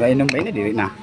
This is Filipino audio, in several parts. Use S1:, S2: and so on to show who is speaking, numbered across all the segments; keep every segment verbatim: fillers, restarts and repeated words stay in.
S1: Kainom pa ini diri na.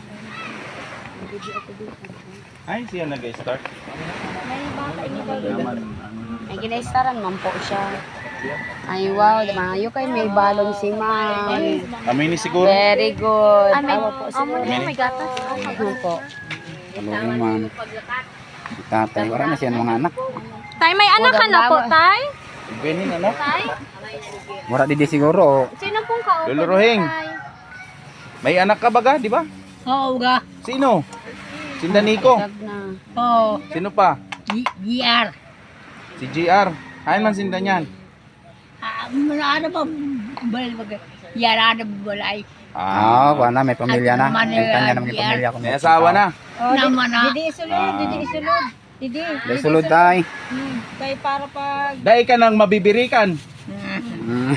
S2: Ay, siya nag-start.
S3: May bata ini daw.
S2: Naman,
S3: Ay ginaistaran man po siya. Ay wow, maayo kay may balon si ma'am.
S2: kami ni siguro.
S3: Very good.
S4: Ah, may,
S3: Awa po
S4: oh, may,
S3: siguro.
S4: may gatas.
S3: Ano po.
S1: Ano man. Tatay, wala na siya ng mga anak.
S4: Tay, may anak ka na po, tay?
S2: Benin, ano?
S4: Tay?
S1: Wala di di siguro.
S4: Sino pong kaupo?
S2: Lolo Rohing.
S4: Tay?
S2: May anak ka ba ga, di ba?
S5: Oo ga.
S2: Sino? Si Danico.
S3: Dag na.
S5: Oo.
S2: Sino pa?
S5: G R.
S2: Si G R. Hain man sinda niyan.
S5: Ah, ano ba? Bal bagay. Yara na balay.
S1: Ah, oh, wala may pamilya na.
S5: At
S1: May kanya naman yung
S5: Manila,
S1: pamilya ko.
S2: May asawa na.
S5: Naman na.
S3: Didi isulod,
S2: Ah.
S3: didi isulod. Didi.
S1: Dahil sulod tay.
S3: Hmm. Kay para pag
S2: Dahil ka nang mabibirikan.
S1: Mm.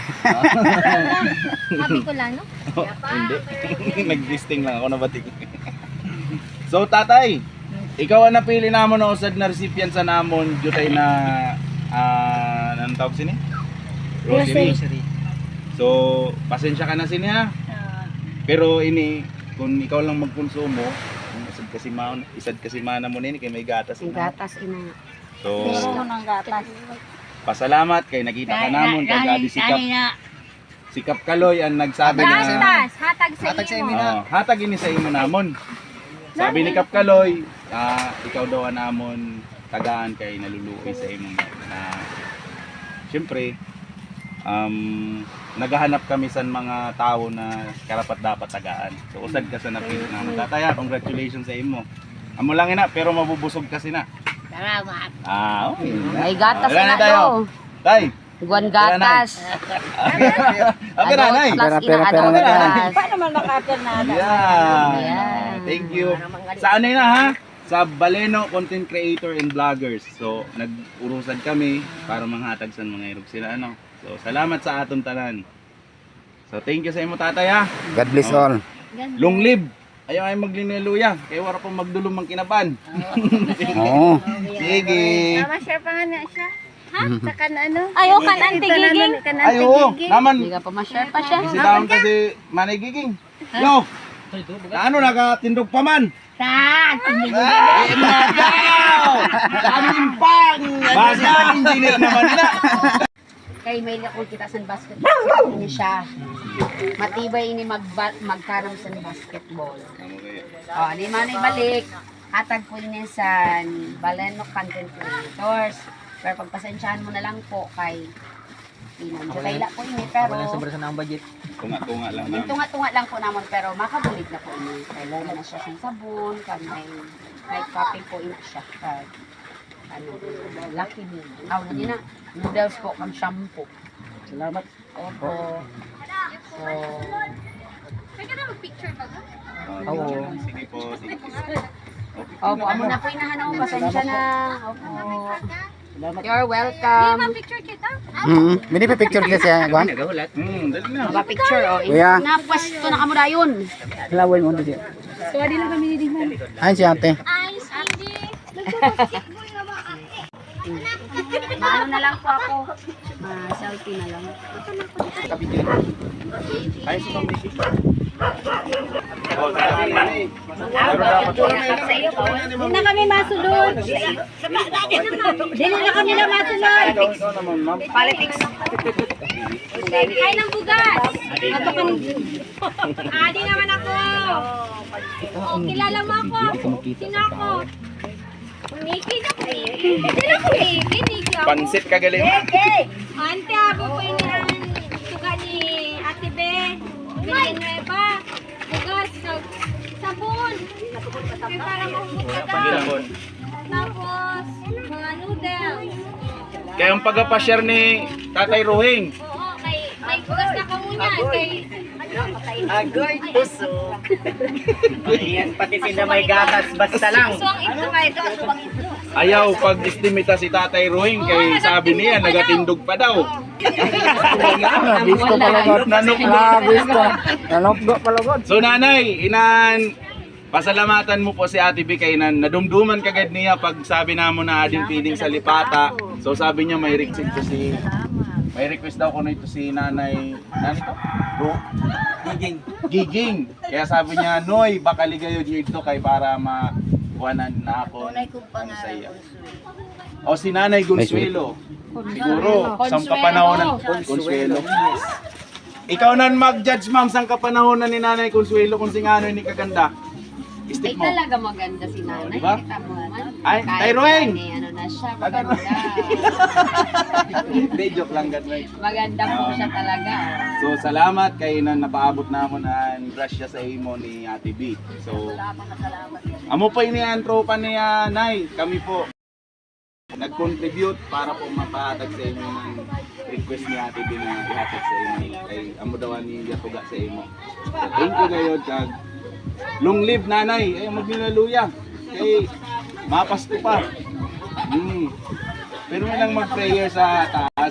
S4: Happy ko lang, no?
S2: Hindi. Nag-listing lang ako na batik. So tatay, ikaw ang napili namon na usad na recipient sa namon jutay na ah uh, tawag sini? Grocery. So, pasensya ka na sini ha. Pero ini kung ikaw lang magkonsumo, isad kasi man, isad kasi mana mo nini kay may gatas.
S3: ang
S2: na.
S3: gatas ina.
S2: So,
S3: ng gatas.
S2: pasalamat kay nakita ka namon kay Gabi Sikap. Sikap Kaloy ang nagsabi na
S4: Gatas, hatag sa iyo.
S2: Oo, hatag ini sa imo namon. Sabi ni Kap Kaloy, ah, ikaw daw ang namon tagaan kay naluluoy sa imong na syempre um, naghahanap kami sa mga tao na karapat dapat tagaan. So usad ka sa napili namon. Tataya, congratulations sa imo. Amo lang ina pero mabubusog kasi na.
S5: Salamat.
S2: Ah, okay.
S3: May gatas
S2: Wala
S3: na
S2: tayo.
S3: do.
S2: Tay.
S3: Guwan gatas.
S2: Okay na, nay.
S3: Plus
S1: Pera,
S3: ina
S1: pera,
S3: adult
S1: pera na,
S3: gas.
S4: Paano man maka-appear na?
S2: Yeah.
S3: Ayan.
S2: Thank you. Sa ano na ha? Sa Baleno Content Creator and Vloggers. So, nag-urusan kami para manghatag sa mga irog sila ano. So, salamat sa aton tanan. So, thank you sa imo tatay ha.
S1: God bless all.
S2: Long live. Ayaw ay maglineluya. Kaya wala pang magdulong mang kinaban.
S1: Oo.
S2: Sige.
S4: Tama siya pa nga na siya. Ha? Sa kan ano?
S3: Ay, oh, kan anti giging.
S4: Kan
S2: Ay,
S4: anti
S2: oo.
S4: giging.
S2: Naman.
S3: Hindi ka pa ma-share pa siya.
S2: Bisitaon kasi Manay Giging. Yo. Ano, nakatindog pa man.
S5: Saan?
S2: Ay, nagaw! Daming pang! Basta engineer naman na.
S3: Kay may lakol kita sa basketball. Ini siya. Matibay ini mag magkaram sa basketball. Oh, ni manay balik. Hatag po niya sa Baleno Content Creators. Pero pagpasensyahan mo na lang po kay Inan. So, kaila po ini pero
S2: Tunga-tunga lang naman.
S3: tunga-tunga lang po naman pero makabulig na po ini. Kailangan na siya sa sabon, kan may may copy po ina siya. Kag, ano, lucky me. Aw na niya na. Noodles po kang shampoo.
S5: Salamat.
S3: Opo. So,
S4: Pwede na mag-picture ba?
S2: Oo. Sige po. Sige po.
S3: opo, amo na po inahanap. Pasensya na. Opo.
S5: Salamat.
S3: You're welcome.
S4: Picture kita?
S1: Mm. Mini pa picture kita siya, Gwan.
S2: Hmm, dali na.
S3: Mga picture, oh.
S1: Kuya.
S3: Napwesto na kamo dayon.
S1: Laway mo dito.
S3: So, di lang kami nidiman.
S1: Ay si ate.
S4: Ice, hindi. Nagbabasketball na ba?
S3: Maano na lang po ako. Ma-selfie na lang.
S2: Ay, si Ma'am Mishi.
S4: Hindi na kami masunod. Hindi na kami na masunod.
S3: Politics.
S4: Ay, ng bugas. Ato kan. Adi naman ako. Oh, kilala mo ako. Sino ako? Niki na ko. Sino ko Niki? Niki ako.
S2: Pansit ka galing.
S4: Ante, abo po ini ang suga ni Ate Be. Villanueva. Bugas. sab- Sabon. Kaya para mahugot ka daw. Tapos, mga noodles.
S2: Kaya ang pagpa-share ni Tatay Rohing.
S4: Oo, kay may bugas na kamunyan. Kay
S6: Agoy puso. Ayan, pati sila may gatas basta lang.
S4: suwang ito kay ito. Suwang ito.
S2: Ayaw pag-estimita si Tatay Rohing kay sabi niya nagatindog pa daw.
S1: Gusto palagot.
S2: Nanok
S1: Ah, gusto. Nanokdo palagot.
S2: So nanay, inan pasalamatan mo po si Ate B kay nan nadumduman kagad niya pag sabi namo na ading piling sa lipata. So sabi niya may riksik ko si may request daw ko nito si Nanay, nani to? Ro?
S6: Giging.
S2: Giging. Kaya sabi niya, Noy, baka ligayo dito kay para makuhanan na ako ano sa iya. O si Nanay Consuelo. Siguro, sa kapanahonan. Consuelo. Ikaw nan mag-judge ma'am sa kapanahonan ni Nanay Consuelo kung singano ni kaganda.
S3: Ay
S2: Stick mo.
S3: talaga maganda si nanay.
S2: Diba?
S3: Kita mo naman.
S2: Ay,
S3: Kahit
S2: Tyrone!
S3: na, ano na siya, maganda.
S2: Hindi, joke lang ganun.
S3: Maganda po siya talaga.
S2: So salamat kay na napaabot namon ang grasya sa imo ni Ate B. So amo po ini ang tropa ni uh, Nay, kami po nag-contribute para po mapahatag sa imo ng request ni Ate B na ihatag sa imo kay amo daw ni yatuga sa imo. So, thank you gayod kag long live nanay, ay magnilaluya. Kay mapasko pa. Hmm. Pero may lang mag-prayer sa taas.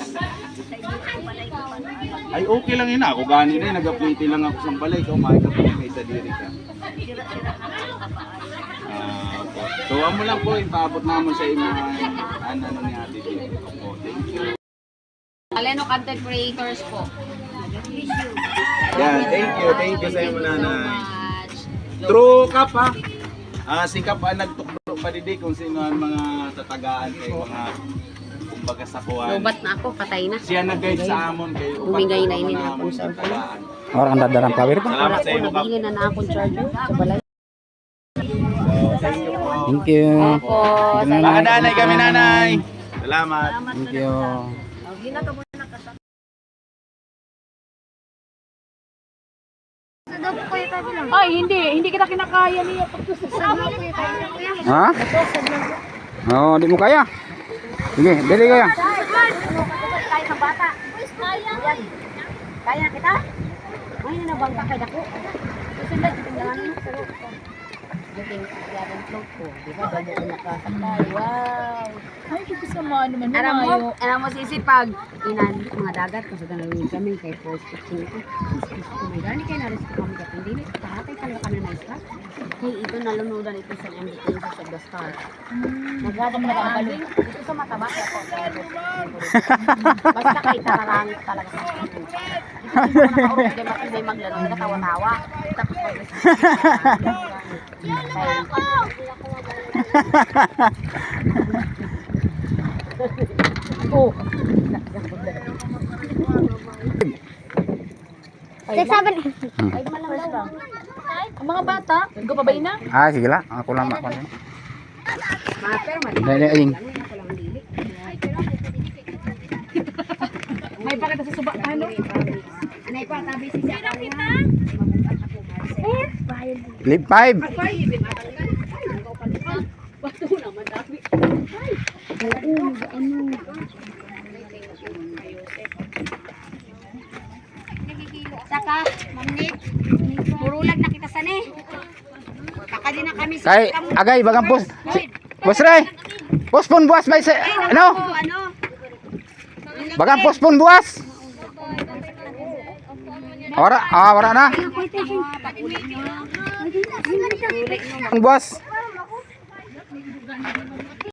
S2: Ay okay lang yun, ako gani na yun, nag-apliti lang ako sa balay, ikaw makikap po may isa diri ka. Ah, opo. So amo lang po, ipaabot naman sa inyo ang ano ni Ate B. Opo, thank you.
S3: Aleno content creators po.
S2: Yan, thank you, thank you sa inyo
S3: Thank you so
S2: nanay.
S3: much.
S2: True Kap ha. Ah, si Kap ang nagtuklo pa didi kung sino ang mga tatagaan kay mga kumbaga sa kuwan.
S3: Lobat na ako, patay na.
S2: Siya nag-guide sa amon kay
S3: Bumigay na ini
S2: upang
S3: na
S2: amon
S3: ako sa
S2: tatagaan.
S1: Orang ang dadarang power pa.
S2: Salamat
S3: Wala
S2: sa
S3: ko,
S2: inyo Kap.
S3: nabili na na akong charger sa balay.
S2: Thank you po.
S1: Thank you.
S3: Opo,
S2: Baka nanay kami nanay. Salamat.
S1: Thank you.
S5: Ay, hindi. Hindi kita kinakaya niya.
S1: Ha? Oo, di mo kaya. Sige, dali kaya.
S3: Kaya sa bata. Kaya kita? Ay, nanabangka kay dako. Susunod, tingnan mo sa loob ko. Buting kagawang float ko. Di ba? Bago ko nakasakay. Wow!
S5: Ay, hindi ko sama naman.
S3: Alam mo,
S5: Malayo.
S3: alam mo sisipag. Inan, mga dagat. Kasi ganun kami kay post fifteen ito. Oh my God, kaya na-rescue kami ka. Hindi, kahatay talaga ka na na isla. Kaya ito nalanudan ito sa M D K sa The Star. Nagada mo nakakabalo. Ito sa mataba. Kaya po. Basta kay tararangit talaga sa akin. Ito ko nakaurot kay Mati may maglaro. Katawa-tawa. Tapos pag Oh.
S4: Sabi na.
S3: Ay, malang daw.
S5: Ang mga bata, go pa ba ina?
S1: Ah, sige lang. Ako lang ako.
S3: Mga pero mali.
S1: Dali, aying.
S3: Ako lang dili.
S5: May pakita sa suba. Ano?
S3: Anay pa, tabi si Siya kita.
S1: Live five.
S3: Saka, mamnit. Murulag na kita sani. Kaka din na kami sa
S1: Kay agay bagang pos. Si, Boss Ray. Pospon buwas may se, ano?
S3: ano?
S1: Bagang pospon buwas. Ora, ah, wala na. Ang buwas.